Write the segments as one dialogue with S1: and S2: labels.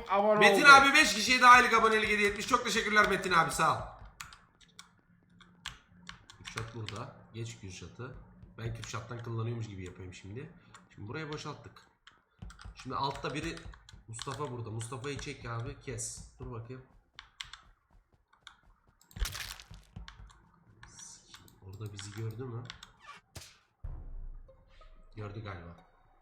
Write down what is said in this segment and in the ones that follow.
S1: abone
S2: Metin
S1: oldu.
S2: abi 5 kişiye daha aylık abonelik hediye etmiş. Çok teşekkürler Metin abi, sağ ol. Kürşat burada. Geç Kürşat'ı. Ben Kürşat'tan kullanıyormuş gibi yapayım şimdi. Şimdi burayı boşalttık. Şimdi altta biri Mustafa burada. Mustafa'yı çek abi, kes. Dur bakayım. Orada bizi gördü mü? Gördü galiba.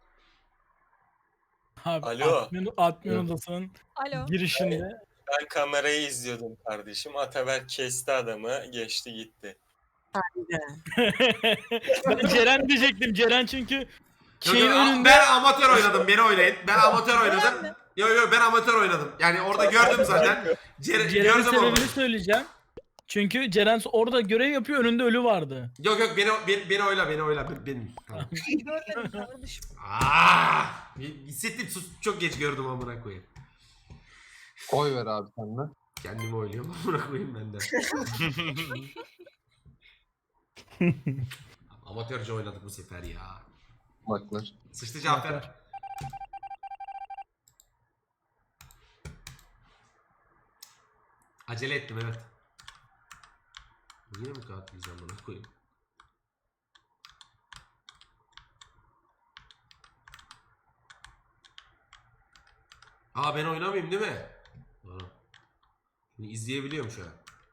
S3: Abi
S4: Alo.
S3: admin odasının
S5: Alo.
S3: girişinde.
S4: Ben kamerayı izliyordum kardeşim. Ataberk kesti adamı, geçti gitti.
S3: Ben Ceren diyecektim. Ceren çünkü şeyin önünde.
S2: Ben amatör oynadım, beni oynayın. Ben amatör oynadım. Yo ben amatör oynadım. Yani orada gördüm zaten.
S3: Ceren'in
S2: Gördüm
S3: sebebini
S2: orada.
S3: söyleyeceğim. Çünkü Ceren orada görev yapıyor, önünde ölü vardı.
S2: Yok beni oyla. Benim. Tamam.
S5: Görmedim kardeşim.
S2: Hissettim, çok geç gördüm amına koyayım.
S6: Oy ver abi sen de.
S2: Kendimi oyluyorum amına koyayım ben de. Amatörce oynadık bu sefer ya.
S6: Baklar.
S2: Sıçtı Cafer. Acele ettim, evet. Yine mi katlayacağım bana koyayım? Ben oynamayayım değil mi? Şimdi izleyebiliyorum şu an.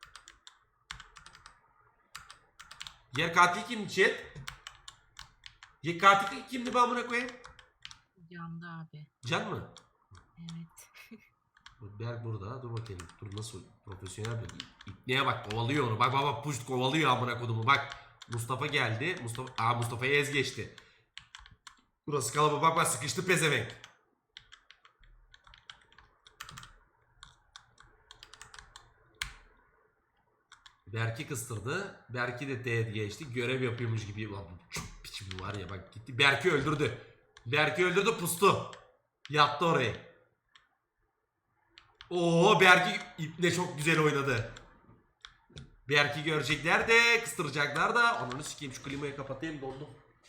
S2: Yer katil kimdi chat? Yer katil kimdi, ben amına koyayım?
S7: Candı abi.
S2: Can mı?
S7: Evet.
S2: Berk burada. Dur bakayım. Dur nasıl profesyonel bir İpneye bak, kovalıyor onu. Bak puşt kovalıyor amına kodumu. Bak Mustafa geldi. Mustafa'ya ez geçti. Burası kalabalık, bak sıkıştı pezevenk. Berk'i kıstırdı. Berk'i de teğet geçti. Görev yapıyormuş gibi. Çok piç bu var ya, bak gitti. Berk'i öldürdü. Berk'i öldürdü, pustu. Yattı oraya. Oo, Berk'i iple çok güzel oynadı. Berk'i görecekler de kıstıracaklar da. Onu sikeyim, şu klimayı kapatayım, dondum.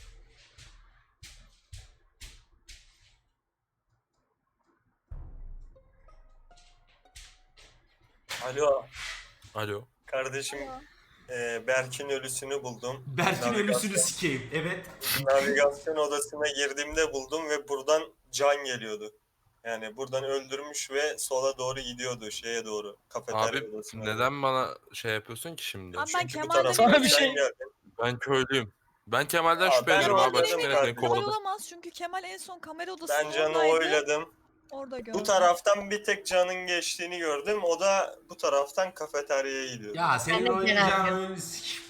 S4: Alo.
S8: Alo.
S4: Kardeşim Berk'in ölüsünü buldum.
S2: Berk'in ölüsünü sikeyim, evet.
S4: Navigasyon odasına girdiğimde buldum ve buradan can geliyordu. Yani buradan öldürmüş ve sola doğru gidiyordu, şeye doğru. Kafeterya
S8: Abi
S4: odasına.
S8: neden bana şey yapıyorsun ki şimdi?
S5: Abi ben
S4: Çünkü bu
S5: Kemal'den
S4: taraftan
S3: Sana bir
S4: sen
S3: şey-
S4: geldin.
S8: Ben köylüyüm. Ben Kemal'den
S4: Aa,
S8: şüpheleniyorum
S4: ben
S8: abi. Açık
S4: oyladım
S8: beni
S4: kardeşim.
S5: Kemal
S8: kovaladı.
S5: olamaz çünkü Kemal en son kamera
S4: Ben
S5: odasının
S4: Can'ı
S5: oradaydı.
S4: oyladım.
S5: Orada gördüm.
S4: Bu taraftan bir tek Can'ın geçtiğini gördüm. O da bu taraftan kafeteryaya gidiyordu.
S2: Ya senin
S7: Ben de
S2: oynayacağın
S7: Ceren
S2: oyunu sikeyim.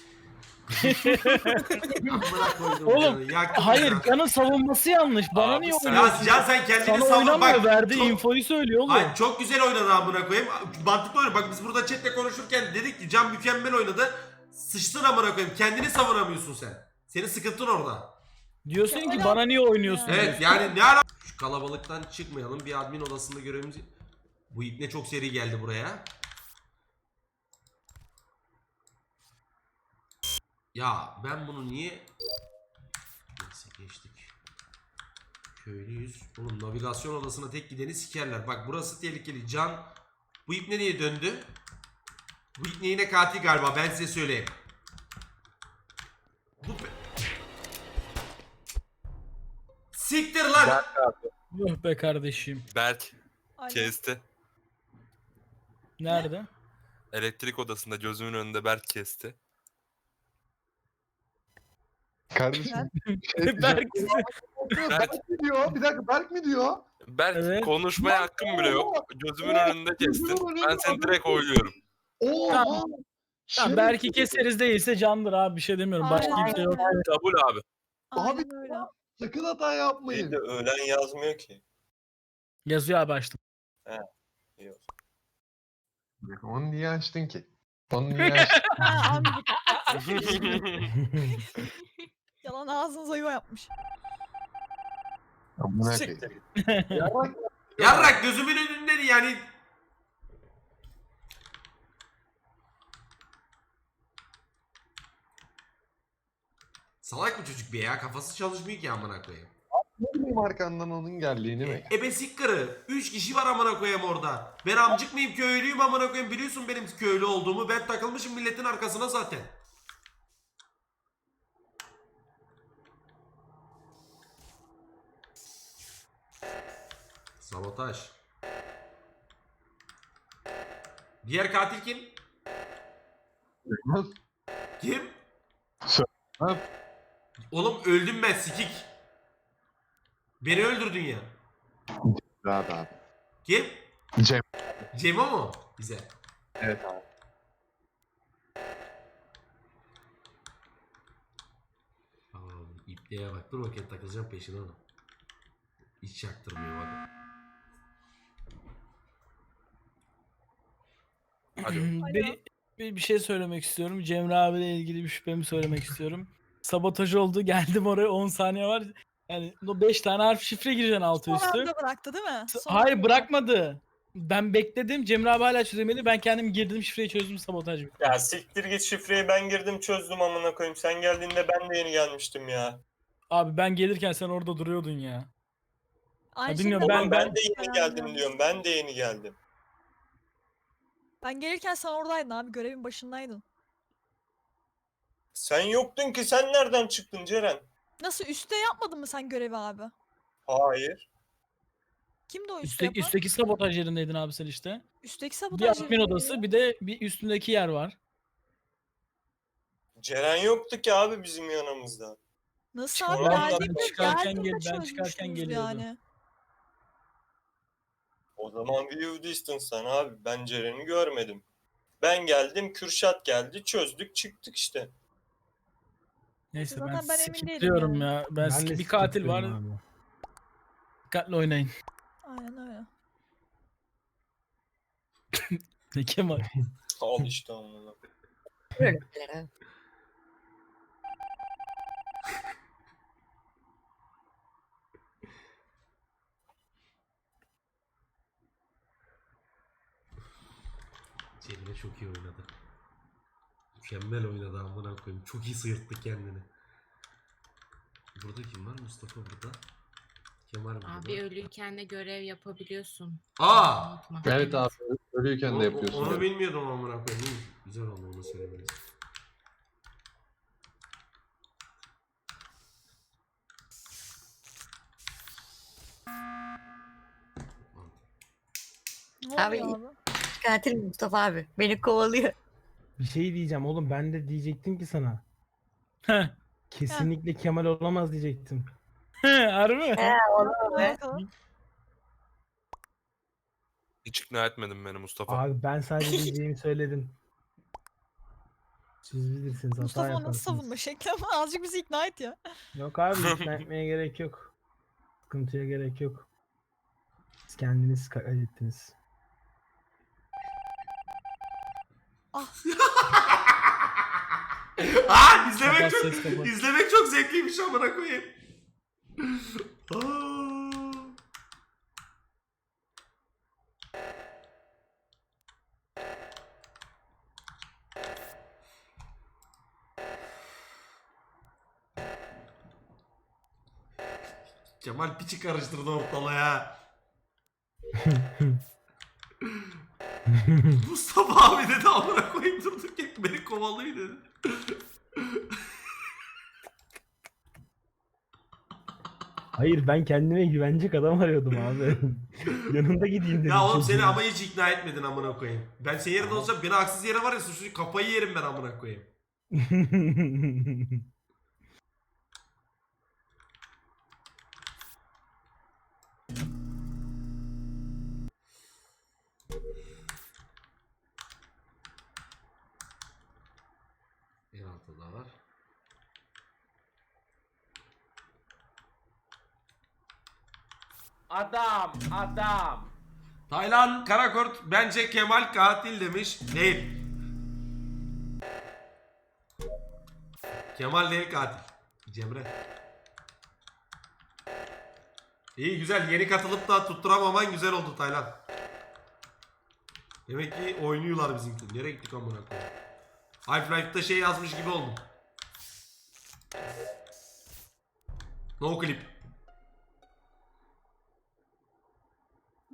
S2: Amına koydum
S3: Oğlum,
S2: canı, yaktım
S3: Hayır,
S2: ya.
S3: Can'ın savunması yanlış. Bana
S8: Abi
S3: niye
S8: sen-
S3: oynuyorsun?
S2: Ya Can, sen kendini
S3: Sana
S2: savun,
S3: oynamıyor,
S2: bak.
S3: verdiği
S2: çok-
S3: infoyu söylüyor oğlum.
S2: Hayır, çok güzel oynadı amına koyayım. Mantıklı oynadı. Bak biz burada chatle konuşurken dedik ki Can mükemmel oynadı. Sıçtın amına koyayım. Kendini savunamıyorsun sen. Senin sıkıntın orada.
S3: Diyorsun
S5: Kemal
S3: ki bana
S5: abi
S3: niye oynuyorsun?
S5: ya.
S2: Evet yani ne ara... Şu kalabalıktan çıkmayalım. Bir admin odasında görevimiz... Bu ipne çok seri geldi buraya. Ya ben bunu niye... Neyse geçtik. Köylüyüz. Oğlum navigasyon odasına tek gideni sikerler. Bak burası tehlikeli. Can... Bu ipne niye döndü? Bu ipne yine katil galiba. Ben size söyleyeyim. Bu... Siktir lan!
S3: Yuh be kardeşim.
S8: Berk
S5: Alo.
S8: kesti.
S3: Nerede?
S8: Elektrik odasında gözümün önünde Berk kesti.
S6: Kardeşim.
S3: Berk.
S6: Berk mi diyor? Bir dakika, Berk mi diyor?
S8: Berk
S3: Evet.
S8: konuşmaya hakkım bile yok. Gözümün önünde kestin. Ben seni direkt oyluyorum.
S6: Oo.
S3: Tamam. Tamam, belki keseriz, değilse Can'dır abi, bir şey demiyorum. Başka
S5: Aynen
S3: kimse yok.
S5: öyle.
S8: Kabul abi.
S6: Abi
S5: Aynen öyle.
S6: sakın hata
S4: Bir
S6: yapmayın.
S4: de ölen yazmıyor ki.
S3: Yazıyor abi, açtım.
S4: Yok.
S6: Onu niye açtın ki? Onu niye açtın?
S5: Ha, abi yalan ağzınıza yuva yapmış.
S6: Amına
S4: Siktir
S6: koyayım.
S4: git.
S2: Yarrak gözümün önünde yani. Salak bu çocuk bir ya, kafası çalışmıyor ki amına koyayım.
S6: Bekliyordum arkandan onun geldiğini mi?
S2: Ebe sikkarı. 3 kişi var amına koyayım orada. Ben amcık mıyım, köylüyüm amına koyayım. Biliyorsun benim köylü olduğumu. Ben takılmışım milletin arkasına zaten. Sabotaj. Diğer katil kim? Kim?
S6: Ha,
S2: Oğlum öldüm ben sikik. Beni öldürdün ya.
S6: rahat abi.
S2: Kim?
S6: Cem.
S2: Cemo mu? Güzel.
S6: Evet abi.
S2: İpliğe bak. Dur bakayım takılacağım peşine ona. Hiç çaktırmıyor bak.
S8: Hadi.
S3: Bir şey söylemek istiyorum. Cemre abiyle ilgili bir şüphemi söylemek istiyorum. Sabotaj oldu. Geldim oraya 10 saniye var. Yani o 5 tane harf şifre gireceksin altı
S5: Son
S3: üstü.
S5: anda bıraktı değil mi? Son
S3: Hayır
S5: anda.
S3: bırakmadı. Ben bekledim. Cemre abi hala çözemedi. Ben kendim girdim şifreyi çözdüm, sabotaj bitti.
S4: Ya siktir git, şifreyi ben girdim çözdüm amına koyayım. Sen geldiğinde ben de yeni gelmiştim ya.
S3: Abi ben gelirken sen orada duruyordun ya.
S5: Aynı
S3: bilmiyorum,
S5: şekilde
S4: Oğlum
S3: ben-
S4: ben de yeni geldim diyorum. Ben de yeni geldim.
S5: Ben gelirken sen oradaydın abi. Görevin başındaydın.
S4: Sen yoktun ki, sen nereden çıktın Ceren?
S5: Nasıl üstte yapmadın mı sen görevi abi?
S4: Hayır.
S5: Kimdi o üstte yapan?
S3: Üstteki sabotaj yerindeydin abi sen işte.
S5: Üstteki
S3: Bir
S5: sabotaj
S3: admin
S5: yeri
S3: odası,
S5: ya.
S3: bir de bir üstündeki yer var.
S4: Ceren yoktu ki abi bizim yanımızda.
S5: Nasıl abi?
S4: Çıkarken
S5: Geldiğimde
S3: ben çıkarken
S5: çözmüştünüz
S3: geliyordu.
S5: yani.
S4: O zaman view distance abi. Ben Ceren'i görmedim. Ben geldim, Kürşat geldi, çözdük çıktık işte.
S3: Neyse
S5: Zaten
S3: ben
S5: ben emin değilim
S3: skipliyorum
S5: yani.
S3: ya. Ben bir katil var. Dikkatli oynayın.
S5: Aynen öyle.
S3: Ne Kemal?
S4: Al işte amına.
S2: Cemile çok iyi oynadı. Mükemmel oynadı amına koyayım. Çok iyi sıyırttı kendini. Burada kim var? Mustafa burada. Kemal burada.
S7: Abi ölüyken de görev yapabiliyorsun.
S2: Aa!
S7: Unutma.
S6: Evet abi. Ölüyken de yapıyorsun.
S2: Onu
S6: yani.
S2: bilmiyordum amına koyayım. İyi, güzel oldu onu söylemeniz.
S5: Ne
S1: Abi-
S5: oluyor abi?
S1: Katil Mustafa abi. Beni kovalıyor.
S9: Bir şey diyeceğim oğlum, ben de diyecektim ki sana.
S3: Heh.
S9: Kesinlikle Kemal olamaz diyecektim.
S3: Harbi mi?
S1: Olur be.
S5: Bakalım.
S8: Hiç ikna etmedin beni Mustafa.
S9: Abi ben sadece diyeceğimi söyledim. Siz bilirsiniz, hata
S5: Mustafa onu
S9: yaparsınız.
S5: nasıl savunma şekli ama azıcık bizi ikna et ya.
S9: Yok abi, ikna etmeye gerek yok. Sıkıntıya gerek yok. Siz kendiniz hallettiniz.
S2: Aa, izlemek
S3: Kapat,
S2: çok
S3: ses kapat.
S2: izlemek çok zevkliymiş amına koyayım. Aa. Kemal piçi karıştırdı ortalığa. Mustafa abi dedi amına koyayım durduk ya beni kovalıyor dedi.
S9: Hayır, ben kendime güvenecek adam arıyordum abi. Yanında gideyim dedim.
S2: Ya oğlum
S9: çocuğun.
S2: seni ama hiç ikna etmedin amına koyayım. Ben senin yerinde olsam beni haksız yere var ya suçlu kafayı yerim ben amına koyayım. En altta var.
S10: Adam.
S2: Taylan Karakurt bence Kemal katil demiş. Değil. Kemal değil katil. Cemre. İyi güzel yeni katılıp da tutturamaman güzel oldu Taylan. Demek ki oynuyorlar bizimki. Nereye gittik amına koyayım? Half-Life'da şey yazmış gibi oldum. No clip.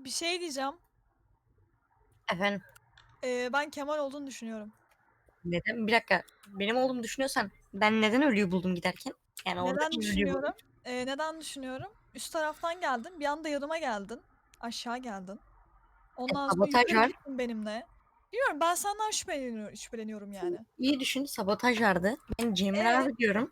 S5: Bir şey diyeceğim.
S1: Efendim
S5: Ben Kemal olduğunu düşünüyorum.
S1: neden? Bir dakika. Benim olduğumu düşünüyorsan ben neden ölüyü buldum giderken? Yani orada
S5: Neden
S1: ölüyü buldum.
S5: düşünüyorum? Neden düşünüyorum? Üst taraftan geldin. Bir anda yanıma geldin. Aşağı geldin. Ondan sonra
S1: sabotaj
S5: yukarı
S1: var.
S5: gittin benimle. Bilmiyorum, ben senden şüpheleniyorum yani.
S1: İyi düşün, sabotaj vardı. Ben Cemre abi diyorum.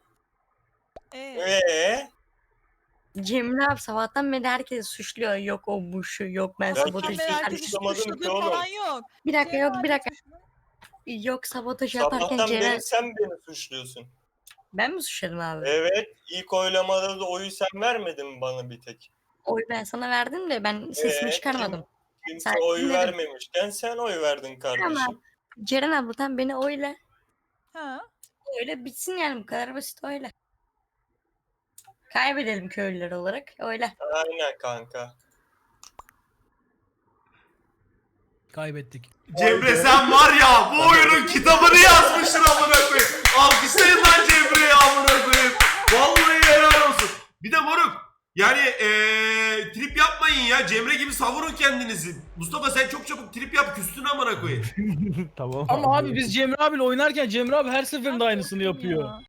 S4: Eee?
S1: Cemre abi sabahtan beri herkes suçluyor. Yok o bu şu, yok ben
S4: Ben
S5: Sabahtan
S1: sabotajı
S5: beri
S4: kimseyi
S5: herkes
S1: yaparken.
S4: suçlamadım ki
S5: suçladığı
S4: oğlum.
S5: falan yok.
S1: Bir dakika
S5: Cemre
S1: yok bir
S5: abi
S1: dakika.
S5: suçlu.
S1: Yok sabotajı yaparken
S4: Sabahtan
S1: Ceren...
S4: beri sen beni suçluyorsun.
S1: Ben mi suçladım abi?
S4: Evet. İlk oylamada da oyu sen vermedin mi bana bir tek?
S1: Oy ben sana verdim de ben sesimi çıkarmadım.
S4: Kimse
S1: Sen
S4: oy
S1: dinledin.
S4: vermemişken sen oy verdin kardeşim.
S1: Ceren abladan beni oyla.
S5: Ha.
S1: Öyle bitsin yani bu kadar basit öyle. Kaybedelim köylüler olarak öyle.
S4: Aynen kanka.
S3: Kaybettik.
S2: Cemre sen var ya bu oyunun kitabını yazmışsın amına koyayım. Alkışlayın lan Cemre'yi amına koyayım. Vallahi helal olsun. Bir de moruk yani trip yapmayın ya. Cemre gibi savurun kendinizi. Mustafa sen çok çabuk trip yap küstün amına koyayım.
S9: Tamam.
S3: Ama abi biz Cemre abiyle oynarken Cemre abi her seferinde aynısını
S5: korktum
S3: yapıyor.
S5: ya.